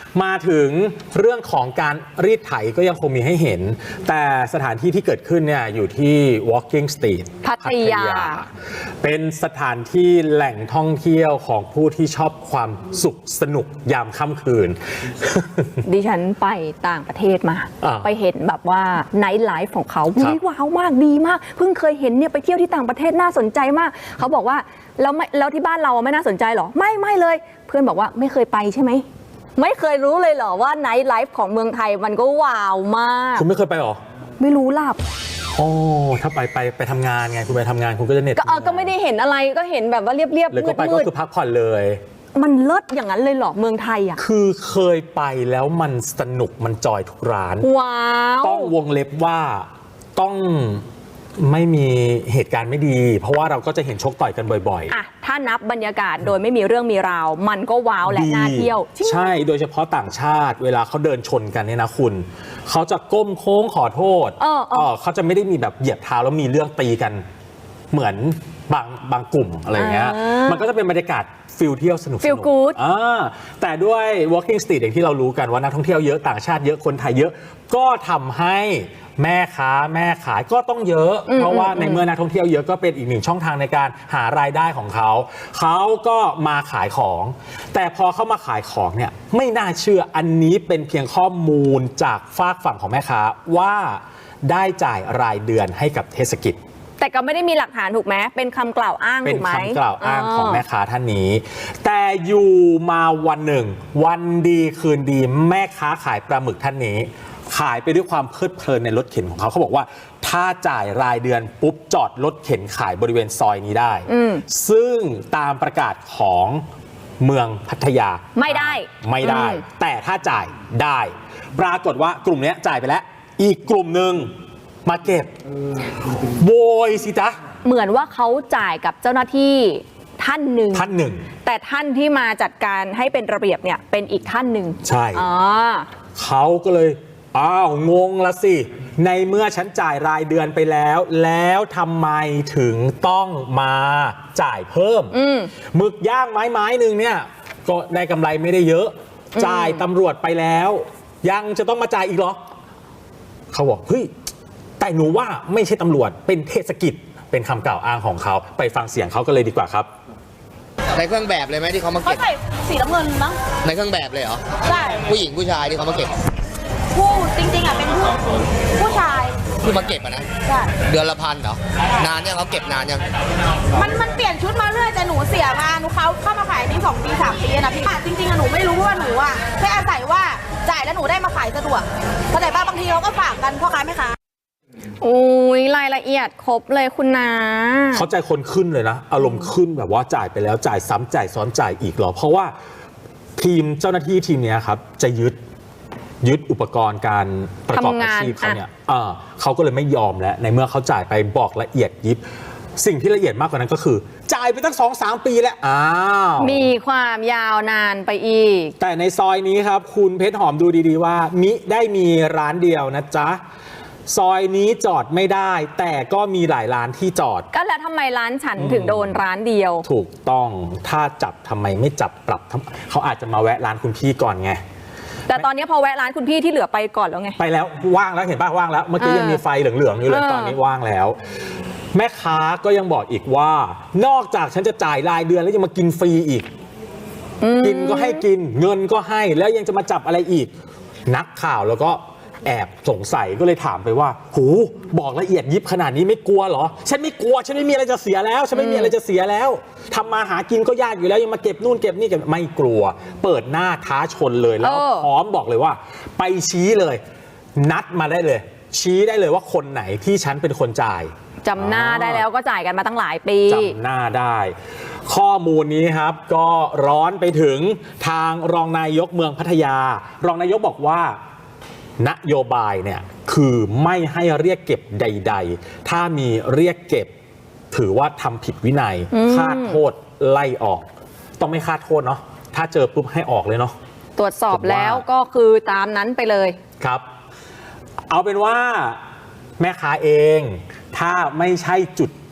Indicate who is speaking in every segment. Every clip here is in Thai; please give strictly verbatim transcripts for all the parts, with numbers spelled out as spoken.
Speaker 1: มาถึงเรื่องของการรีดไถก็ยังคงมีให้เห็นแต่สถานที่ที่เกิดขึ้นเนี่ยอยู่ที่ Walking Street
Speaker 2: พัทยา
Speaker 1: เป็นสถานที่แหล่งท่องเที่ยวของผู้ที่ชอบความสุขสนุกยามค่ำคืน
Speaker 2: ดิฉันไปต่างประเทศมาไปเห็นแบบว่าไนท์ไลฟ์ของเขาว้าวมากดีมากเพิ่งเคยเห็นเนี่ยไปเที่ยวที่ต่างประเทศน่าสนใจมากเขาบอกว่าแล้วไม่แล้วที่บ้านเราไม่น่าสนใจหรอไม่ไม่เลยเพื่อนบอกว่าไม่เคยไปใช่ไหมไม่เคยรู้เลยเหรอว่าไนท์ไลฟ์ของเมืองไทยมันก็ว้าวมาก
Speaker 1: คุณไม่เคยไปหรอ
Speaker 2: ไม่รู้หลับ
Speaker 1: โอ้ถ้าไปไปไปทำงานไงคุณไปทำงานคุณก็จะเน็ต
Speaker 2: ก็เออก็ไม่ได้เห็นอะไรก็เห็นแบบว่าเรียบๆ
Speaker 1: เลยก็ไปก็คือพักผ่อนเลย
Speaker 2: มันเลิศอย่างนั้นเลยเหรอเมืองไทยอ่ะ
Speaker 1: คือเคยไปแล้วมันสนุกมันจอยทุกร้าน
Speaker 2: ว้าว
Speaker 1: ต้องวงเล็บว่าต้องไม่มีเหตุการณ์ไม่ดีเพราะว่าเราก็จะเห็นชกต่อยกันบ่อยๆ
Speaker 2: อ่ะถ้านับบรรยากาศโดยไม่มีเรื่องมีราวมันก็ว้าวและน่าเที่ยว
Speaker 1: ใช่โดยเฉพาะต่างชาติเวลาเขาเดินชนกันเนี่ยนะคุณเขาจะก้มโค้งขอโทษเออเออเขาจะไม่ได้มีแบบเหยียบเท้าแล้วมีเรื่องตีกันเหมือนบางบางกลุ่มอะไรเงี้ยมันก็จะเป็นบรรยากาศฟิลเที่ยวสนุก
Speaker 2: ฟิลกู๊ด
Speaker 1: แต่ด้วย Walking Street อย่างที่เรารู้กันว่านักท่องเที่ยวเยอะต่างชาติเยอะคนไทยเยอะก็ทำให้แม่ค้าแม่ขายก็ต้องเยอะเพราะว่าในเมื่อนักท่องเที่ยวเยอะก็เป็นอีกหนึ่งช่องทางในการหารายได้ของเขาเขาก็มาขายของแต่พอเขามาขายของเนี่ยไม่น่าเชื่ออันนี้เป็นเพียงข้อมูลจากฝากฝั่งของแม่ค้าว่าได้จ่ายรายเดือนให้กับเทศกิจ
Speaker 2: แต่ก็ไม่ได้มีหลักฐานถูกไหมเป็นคำกล่าวอ้างถูกไหม
Speaker 1: เป็นคำกล่าวอ้างของแม่ค้าท่านนี้แต่อยู่มาวันหนึ่งวันดีคืนดีแม่ค้าขายปลาหมึกท่านนี้ขายไปด้วยความเพลิดเพลินในรถเข็นของเขาเขาบอกว่าถ้าจ่ายรายเดือนปุ๊บจอดรถเข็นขายบริเวณซอยนี้ได้ซึ่งตามประกาศของเมืองพัทยา
Speaker 2: ไม่ได้
Speaker 1: ไม่ได้แต่ถ้าจ่ายได้ปรากฏว่ากลุ่มนี้จ่ายไปแล้วอีกกลุ่มหนึ่งมาเก็บโวยสิจ๊ะ
Speaker 2: เหมือนว่าเขาจ่ายกับเจ้าหน้าที่ท่านหนึ่ง
Speaker 1: ท่านหนึ่ง
Speaker 2: แต่ท่านที่มาจัดการให้เป็นระเบียบเนี่ยเป็นอีกท่านหนึ่ง
Speaker 1: ใช่เขาก็เลยอ้าวงงละสิในเมื่อฉันจ่ายรายเดือนไปแล้วแล้วทำไมถึงต้องมาจ่ายเพิ่มหมึกย่างไม้ไม้หนึ่งเนี่ยก็ได้กำไรไม่ได้เยอะจ่ายตำรวจไปแล้วยังจะต้องมาจ่ายอีกเหรอเขาบอกเฮ้ยแต่หนูว่าไม่ใช่ตำรวจเป็นเทศกิจเป็นคำกล่าวอ้างของเขาไปฟังเสียงเขาก็เลยดีกว่าครับ
Speaker 3: ในเครื่องแบบเลยไหมที่เขามาเก็บ
Speaker 4: เขาใส่สีน้ำเงินมั้ง
Speaker 3: ในเครื่องแบบเลยเหรอ
Speaker 4: ใช่
Speaker 3: ผู้หญิงผู้ชายที่เขามาเก็บ
Speaker 4: ผู้จริงๆอ่ะเป็นผู้ผู้ชาย
Speaker 3: ที่มาเก็บอ่ะนะ
Speaker 4: ใช่
Speaker 3: เดือนละพันเหรอนานเนี่ยเขาเก็บนานยัง
Speaker 4: มันมันเปลี่ยนชุดมาเรื่อยแต่หนูเสียมาหนูเขาเข้ามาขายนี่สองปีสามปีนะพี่จริงๆอ่ะหนูไม่รู้ว่าหนูอ่ะแค่อาศัยว่าจ่ายแล้วหนูได้มาขายสะดวกเข้าใจป่ะบางทีเราก็ฝากกันพ่อค้าแม่ค้า
Speaker 2: โอ้ยรายละเอียดครบเลยคุณนา
Speaker 1: เขาใจคนขึ้นเลยนะอารมณ์ขึ้นแบบว่าจ่ายไปแล้วจ่ายซ้ำจ่ายซ้อนจ่ายอีกหรอเพราะว่าทีมเจ้าหน้าที่ทีมนี้ครับจะยึดยึดอุปกรณ์การประกอบอาชีพเขาเนี่ยเขาก็เลยไม่ยอมแล้วในเมื่อเขาจ่ายไปบอกละเอียดยิบสิ่งที่ละเอียดมากกว่านั้นก็คือจ่ายไปตั้ง สองถึงสาม ปีแล้วอ้าว
Speaker 2: มีความยาวนานไปอีก
Speaker 1: แต่ในซอยนี้ครับคุณเพชรหอมดูดีๆว่ามิได้มีร้านเดียวนะจ๊ะซอยนี้จอดไม่ได้แต่ก็มีหลายร้านที่จอด
Speaker 2: ก็แล้วทำไมร้านฉันถึงโดนร้านเดียว
Speaker 1: ถูกต้องถ้าจับทำไมไม่จับปรับเขาอาจจะมาแวะร้านคุณพี่ก่อนไง
Speaker 2: แต่ตอนนี้พอแวะร้านคุณพี่ที่เหลือไปก่อนแล้วไง
Speaker 1: ไปแล้วว่างแล้วเห็นป่ะว่างแล้วเมื่อกี้ยังมีไฟเหลืองๆอยู่เลยตอนนี้ว่างแล้วแม่ค้าก็ยังบอกอีกว่านอกจากฉันจะจ่ายรายเดือนแล้วยังมากินฟรีอีกกินก็ให้กินเงินก็ให้แล้วยังจะมาจับอะไรอีกนักข่าวแล้วก็แอบสงสัยก็เลยถามไปว่าหูบอกละเอียดยิบขนาดนี้ไม่กลัวเหรอฉันไม่กลัวฉันไม่มีอะไรจะเสียแล้วฉันไม่มีอะไรจะเสียแล้วทำมาหากินก็ยากอยู่แล้วยังมาเก็บนู่นเก็บนี่กันไม่กลัวเปิดหน้าท้าชนเลยแล้วพร้อมบอกเลยว่าไปชี้เลยนัดมาได้เลยชี้ได้เลยว่าคนไหนที่ฉันเป็นคนจ่าย
Speaker 2: จำหน้าได้แล้วก็จ่ายกันมาตั้งหลายปี
Speaker 1: จำหน้าได้ข้อมูลนี้ครับก็ร้อนไปถึงทางรองนายกเมืองพัทยารองนายกบอกว่านโยบายเนี่ยคือไม่ให้เรียกเก็บใดๆถ้ามีเรียกเก็บถือว่าทำผิดวินัยคาดโทษไล่ออกต้องไม่คาดโทษเนาะถ้าเจอปุ๊บให้ออกเลยเนาะ
Speaker 2: ตรวจสอบแล้วก็คือตามนั้นไปเลย
Speaker 1: ครับเอาเป็นว่าแม่ค้าเองถ้าไม่ใช่จุดจ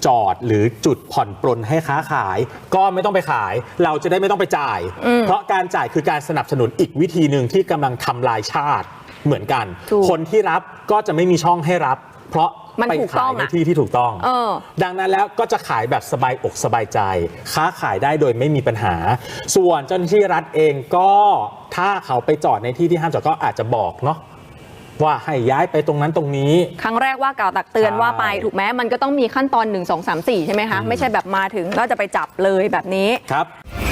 Speaker 1: จอดหรือจุดผ่อนปรนให้ค้าขายก็ไม่ต้องไปขายเราจะได้ไม่ต้องไปจ่ายเพราะการจ่ายคือการสนับสนุนอีกวิธีหนึ่งที่กำลังทำลายชาติเหมือนกันคนที่รับก็จะไม่มีช่องให้รับเพราะไปขายในที่ที่ถูกต้องดังนั้นแล้วก็จะขายแบบสบายอกสบายใจค้าขายได้โดยไม่มีปัญหาส่วนเจ้าหน้าที่รัฐเองก็ถ้าเขาไปจอดในที่ที่ห้ามจอดก็อาจจะบอกเนาะว่าให้ย้ายไปตรงนั้นตรงนี้
Speaker 2: ครั้งแรกว่ากล่าวตักเตือนว่าไปถูกไหมมันก็ต้องมีขั้นตอนหนึ่ง สอง สาม สี่ใช่ไหมคะไม่ใช่แบบมาถึงก็จะไปจับเลยแบบนี้
Speaker 1: ครับ